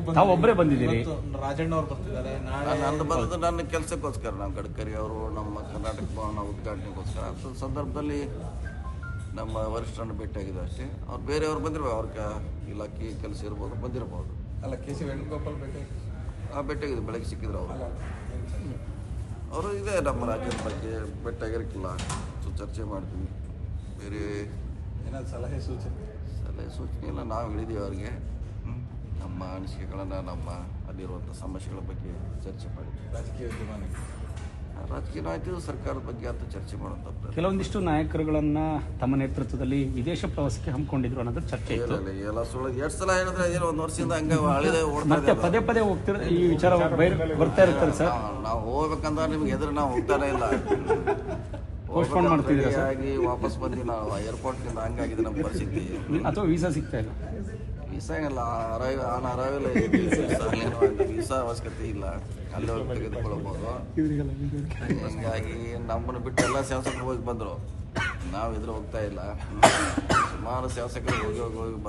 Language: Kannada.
ತಾವು ಒಬ್ಬರೇ ಬಂದಿದ್ದೀರಿ? ರಾಜಣ್ಣ ಅವ್ರು ಬರ್ತಿದ್ದಾರೆ ನಾಳೆ. ನಂದು ಬಂದದ್ದು ನನ್ನ ಕೆಲಸಕ್ಕೋಸ್ಕರ, ನಮ್ಮ ಗಡ್ಕರಿ ಅವರು ನಮ್ಮ ಕರ್ನಾಟಕ ಭವನ ಉದ್ಘಾಟನೆಗೋಸ್ಕರ. ಅಂಥ ಸಂದರ್ಭದಲ್ಲಿ ನಮ್ಮ ವರಿಷ್ಠರನ್ನು ಭೇಟಿಯಾಗಿದೆ ಅಷ್ಟೇ. ಅವ್ರು ಬೇರೆಯವ್ರು ಬಂದಿರ್ಬೋದು, ಅವ್ರ ಇಲಾಖೆ ಕೆಲಸ ಇರ್ಬೋದು, ಬಂದಿರ್ಬೋದು. ಅಲ್ಲ, ಕೆ.ಸಿ. ವೇಣುಗೋಪಾಲ್ ಭೇಟಿಯಾಗಿದೆ, ಬೆಳಗ್ಗೆ ಸಿಕ್ಕಿದ್ರು ಅವರು ಇದೆ ನಮ್ಮ ರಾಜ್ಯದ ಬಗ್ಗೆ ಭೇಟಿಯಾಗಿರಕ್ಕಿಲ್ಲ. ಚರ್ಚೆ ಮಾಡ್ತೀವಿ. ಬೇರೆ ಏನಾದ್ರು ಸಲಹೆ ಸೂಚನೆ ಎಲ್ಲ ನಾವು ಹೇಳಿದ್ದೀವಿ ಅವ್ರಿಗೆ. ನಮ್ಮ ಅನಿಸಿಕೆಗಳನ್ನು, ನಮ್ಮ ಅಲ್ಲಿರುವಂಥ ಸಮಸ್ಯೆಗಳ ಬಗ್ಗೆ ಚರ್ಚೆ ಮಾಡಿದ್ವಿ. ರಾಜಕೀಯ ನಾಯಕರು ಸರ್ಕಾರದ ಬಗ್ಗೆ ಅಂತ ಚರ್ಚೆ ಮಾಡುವಂಥ ಕೆಲವೊಂದಿಷ್ಟು ನಾಯಕರುಗಳನ್ನ ತಮ್ಮ ನೇತೃತ್ವದಲ್ಲಿ ವಿದೇಶ ಪ್ರವಾಸಕ್ಕೆ ಹಮ್ಮಿಕೊಂಡಿದ್ರು ಅನ್ನೋದು ಚರ್ಚೆ ಇತ್ತು. ಎಲ್ಲ ಸುಳ್ಳು. ಎರಡು ಸಲ ಹೇಳಿದ್ರೆ ಅದೇನೋ ಒಂದು ವರ್ಷದಿಂದ ಹಂಗೆ ಹಳಿದೆ ಮತ್ತೆ ಪದೇ ಪದೇ ಹೋಗ್ತಿರ ಈ ವಿಚಾರ ಬರ್ತಾ ಇರ್ತಾರೆ ಸರ್. ನಾವು ಹೋಗ್ಬೇಕಂದ್ರೆ ನಿಮ್ಗೆ ಎದುರು ನಾವು ಹೋಗ್ತಾನೆ ಇಲ್ಲ. ಪೋಸ್ಟ್ಪೋನ್ ಮಾಡ್ತಿದ್ದೀರಾ ಸರ್? ಆಗಿ ವಾಪಸ್ ಬಂದು ನಾವು ಏರ್ಪೋರ್ಟ್ನಿಂದ ಹಂಗಾಗಿದೆ ನಮ್ಮ ಪರಿಸ್ಥಿತಿ. ಅಥವಾ ವೀಸಾ ಸಿಗ್ತಾ ಇಲ್ಲ? ವೀಸಾ ಇಲ್ಲ, ಅರೈವಲ್ ವೀಸಾ ಅವಶ್ಯಕತೆ ಇಲ್ಲ, ಅಲ್ಲೇ ಹೋಗಿ ತೆಗೆದುಕೊಳ್ಬೋದು. ಹೀಗಾಗಿ ನಮ್ಮನ್ನು ಬಿಟ್ಟು ಎಲ್ಲ ಶಾಸಕರು ಹೋಗಿ ಬಂದರು, ನಾವು ಇದ್ರೆ ಹೋಗ್ತಾ ಇಲ್ಲ. ಸುಮಾರು ಶಾಸಕರು ಹೋಗಿ